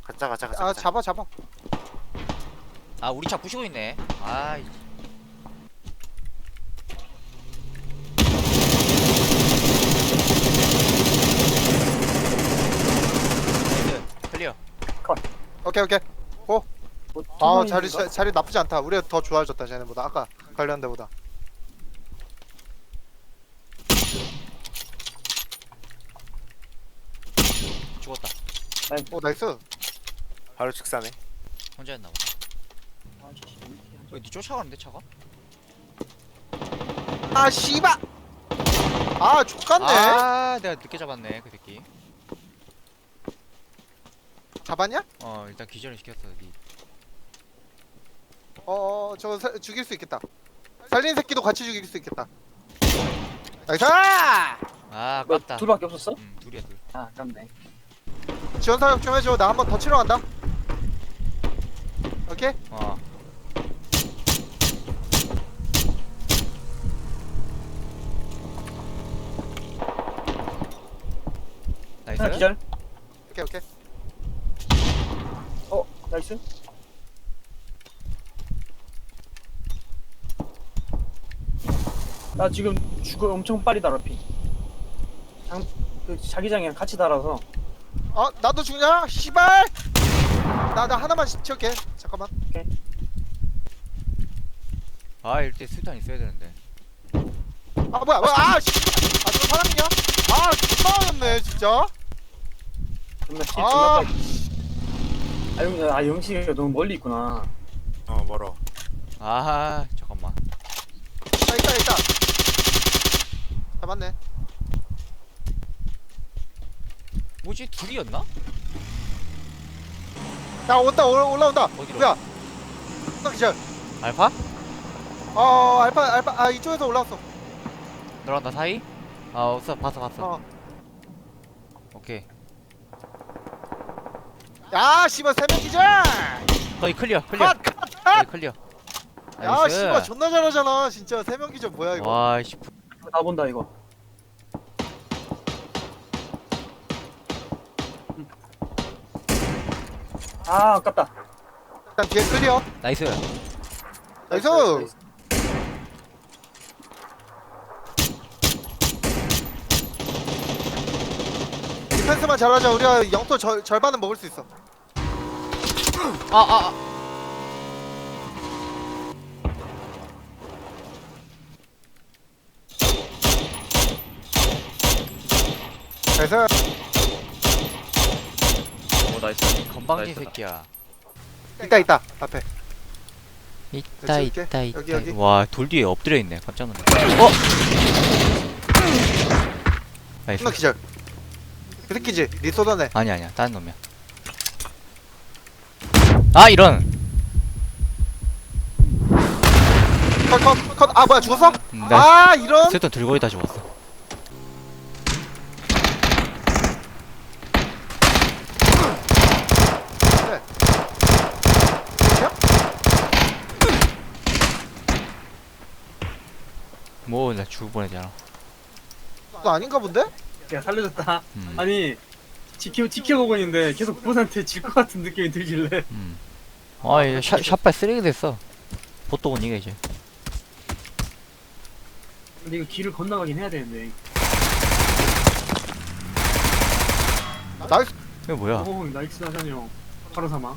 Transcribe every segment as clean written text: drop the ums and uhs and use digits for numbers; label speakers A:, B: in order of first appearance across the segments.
A: 아 잡아.
B: 아 우리 차 부시고 있네. 아이. 클리어.
A: 오케이.
C: 뭐,
A: 아
C: 투명인가?
A: 자리 나쁘지 않다. 우리가 더 좋아졌다 쟤네보다. 아까 관리한 데보다.
B: 죽었다.
A: 오 나이스.
D: 바로 직사네.
B: 혼자였나 보다.
C: 아, 씨,
B: 왜 니 쫓아가는데 차가?
A: 아 씨발. 아 족같네.
B: 아 내가 늦게 잡았네 그 새끼.
A: 잡았냐?
B: 어 일단 기절을 시켰어. 니.
A: 저거 죽일 수 있겠다. 살린 새끼도 같이 죽일 수 있겠다. 나이스!
B: 아
C: 뭐,
B: 아깝다.
C: 둘밖에 없었어?
B: 둘이야 둘.
C: 아, 아깝네.
A: 지원 사격 좀 해줘. 나 한 번 더 치러 간다. 오케이?
B: 어. 나이스.
C: 하나 기절.
A: 오케이.
C: 나이스. 나 지금 죽어 엄청 빨리 달아 피. 그 자기장이랑 같이 달아서.
A: 나도 죽냐? 씨발! 나 하나만 채울게. 잠깐만.
B: 아 이럴 때 수탄 있어야 되는데.
A: 뭐야. 저 사람이냐? 존나 어렵네 진짜.
C: 존나 피
A: 아.
C: 존나 빨리. 영식이가 너무 멀리 있구나.
D: 멀어.
B: 아 잠깐만.
A: 있다. 잡았네.
B: 뭐지 둘이었나?
A: 야 올라온다.
B: 어디로?
A: 뭐야? 딱 기절.
B: 알파?
A: 알파 이쪽에서 올라왔어.
B: 너랑 나 사이? 아 없어 봤어. 오케이.
A: 야 씨발 3명 기절.
B: 거의 클리어.
A: 컷.
B: 거의 클리어.
A: 야
B: 나이스.
A: 씨발 존나 잘하잖아. 진짜 3명 기절 뭐야 이거.
B: 와씨.
C: 나 본다 이거. 아, 아깝다.
A: 일단 뒤에 클리어.
B: 나이스.
A: 나이스. 디펜스만 잘하자. 우리가 영토 절반은 먹을 수 있어.
B: 아.
A: 나이스.
B: 오 나이스. 건방진 새끼야.
A: 있다 앞에.
B: 있다.
A: 여기.
B: 와 돌 뒤에 엎드려 있네. 깜짝 놀랐네. 나이스.
A: 존나 기절. 그 새끼지. 니 쏟아내.
B: 아니야. 다른 놈이야. 아 이런.
A: 컷. 뭐야 죽었어?
B: 나
A: 이런.
B: 스톤 들고 있다 죽었어. 뭐 나 죽을 뻔했잖아.
A: 너 아닌가 본데?
C: 야, 살려줬다.
B: 음.
C: 아니, 지켜보고 있는데 계속 그분한테 질 것 같은 느낌이 들길래.
B: 아 이제 샷발 쓰레기 됐어. 보통은 이게 이제.
C: 근데 이거 길을 건너가긴 해야 되는데.
A: 나이스.
B: 이거 뭐야?
C: 오, 나이스 하찬이 형. 바로 사망.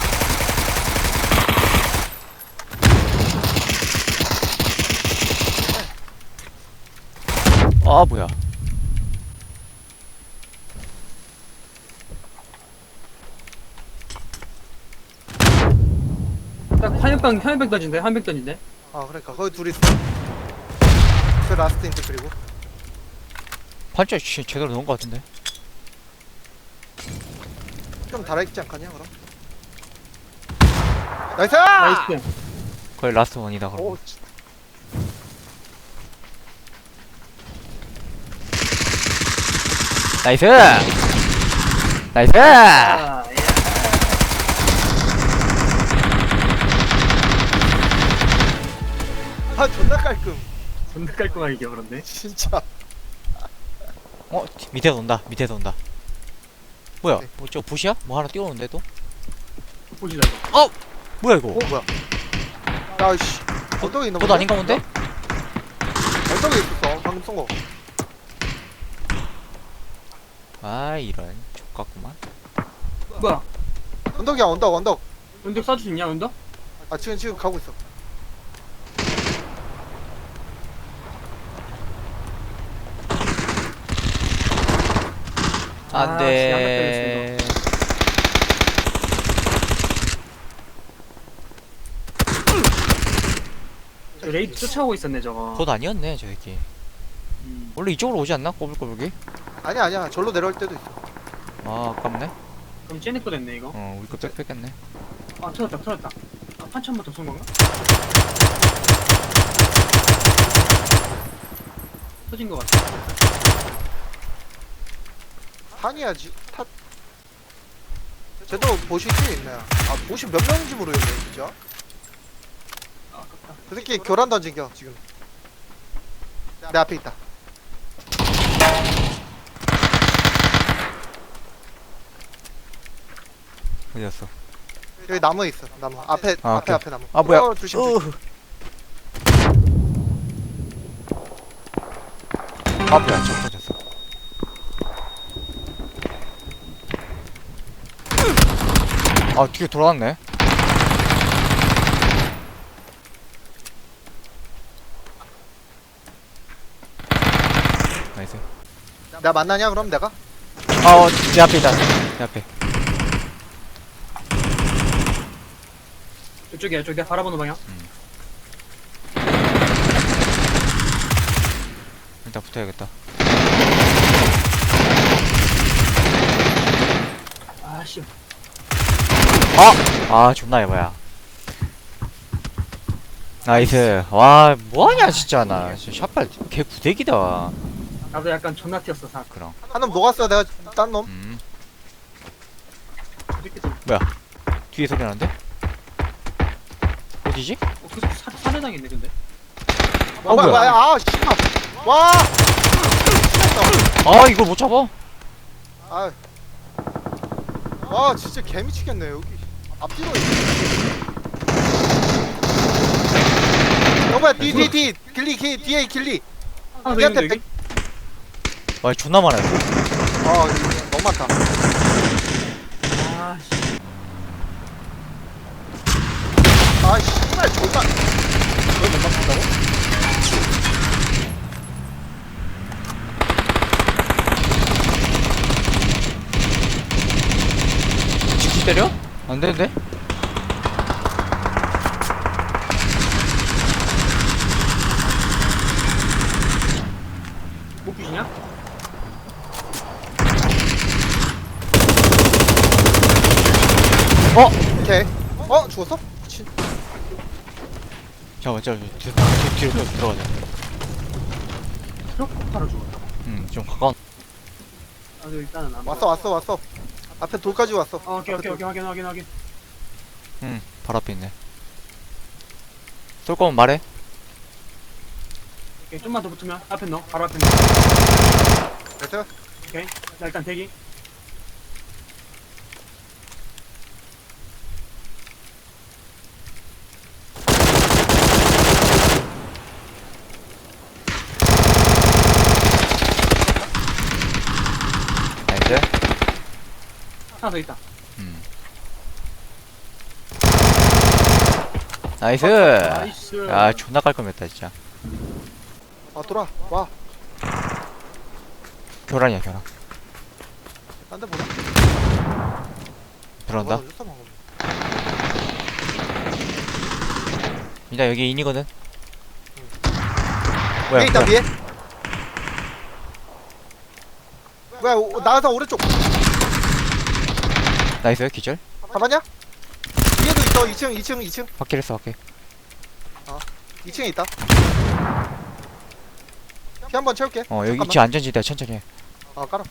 B: 아 뭐야?
C: 딱 한역병 던진대. 한벽 던진대.
A: 그러니까 거기 둘이 있어. 그 라스트 인트 그리고.
B: 판자 제대로 넣은 것 같은데.
A: 좀 달아있지 않겠냐 그럼? 나이스!
C: 나이스.
B: 거의 라스트 원이다 그럼.
A: 오,
B: 나이스.
C: 아, 예.
A: 존나 깔끔.
C: 존나 깔끔하게 이겨버렸네.
A: 진짜.
B: 밑에서 온다. 뭐야?
A: 네.
B: 저 붓이야? 뭐 하나 띄워놓는데 또?
C: 보시자 이거.
B: 뭐야 이거?
A: 뭐야? 야씨 언덕에 있나
B: 그거 아닌가 본데?
A: 언덕에 있었어 방금 쏜거.
B: 아 이런 족같구만.
C: 뭐야?
A: 언덕이야 언덕.
C: 연덕 쏴줄 수 있냐 연덕?
A: 아 지금 가고 있어.
B: 안돼.
C: 저 레이드 쫓아오고 있었네 저거.
B: 그것 아니었네 저 새끼. 원래 이쪽으로 오지 않나? 꼬불꼬불기?
A: 아니야 절로 내려올 때도 있어.
B: 아 아깝네.
C: 그럼 쟤네 거 됐네 이거.
B: 우리 거 빽빽했네.
C: 아 터졌다. 아 판치 한 번 더 쏜 건가? 터진 거 같아.
A: 탄이야지 탓. 쟤도 보시 팀에 있네. 아 보시 몇 명인지 모르겠네 진짜.
C: 아 아깝다.
A: 그 새끼 교란 던진겨 지금. 내 앞에 있다.
B: 어디였어?
A: 여기 나무에 있어. 나무 앞에
B: 아, 오케이.
A: 앞에 나무.
B: 아 뭐야?
A: 조심.
B: 아 뭐야? 저 터졌어. 아 뒤에 돌아왔네. 나이스.
A: 내가 만나냐 그럼 내가?
B: 내 앞에 있다. 내 앞에.
C: 이쪽이야 이쪽 내가 바라보는 방향.
B: 일단 붙어야겠다.
C: 아씨.
B: 존나 에바야. 나이스. 와 뭐하냐 진짜 나. 진짜 샷발 개 구대기다.
C: 나도 약간 존나 튀었어 사.
B: 그럼.
A: 한 놈 녹았어 내가 딴 놈.
C: 이렇게 좀.
B: 뒤에 소리 나는데? 어디지?
C: 계속 살해당 있네 근데.
A: 뭐야 아 씨발. 와.
B: 아 이걸 못 잡아?
A: 아. 와 진짜 개미치겠네 여기. 앞뒤로 있네. 여보야 뒤 길리 뒤에 길리.
C: 하나 더
A: 얘한테
C: 있는데 여기?
B: 와 존나 많아 이거.
A: 너무 많다.
C: 아씨.
A: 아 씨발 존나. 이걸 못 맞춘다고?
B: 직진 때려? 안 되는데?
C: 못 부시냐?
A: 오케이. 죽었어? 미친.
B: 잠깐만 뒤로 들어가자.
C: 트럭 바로 죽었다.
B: 좀 가까운.
C: 나도 일단은 안.
A: 왔어. 앞에 돌까지 왔어.
C: 오케이 확인.
B: 바로 앞에 있네. 쏠 거면 말해.
C: 오케이 좀만 더 붙으면 앞에 넣어. 바로 앞에 넣어.
A: 됐어?
C: 오케이. 자 일단 대기.
B: 나이스.
C: 하나 더 있다.
B: 나이스.
C: 나이스.
B: 야 존나 깔끔했다 진짜.
A: 돌아. 와.
B: 교란이야.
A: 딴 데 보자.
B: 들어온다.
A: 뭐가 던졌어, 방금.
B: 일단 여기 인이거든.
A: 위에 있다 위에. 뭐야 나가서 오른쪽.
B: 나이스 기절.
A: 잡았냐? 위에도 있어 2층.
B: 확킬 했어 확킬.
A: 2층에 있다. 피 한 번 채울게.
B: 여기
A: 잠깐만.
B: 2층 안전지대 천천히 해.
A: 깔아.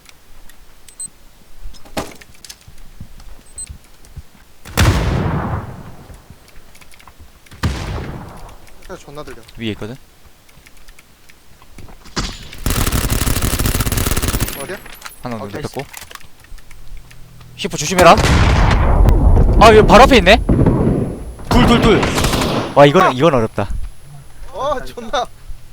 A: 존나 들려.
B: 위에 있거든.
A: 어디야?
B: 하나
C: 나이스.
B: 눕혔고. 10호 조심해라. 아 여기 바로 앞에 있네. 둘. 와 이건 어렵다.
A: 존나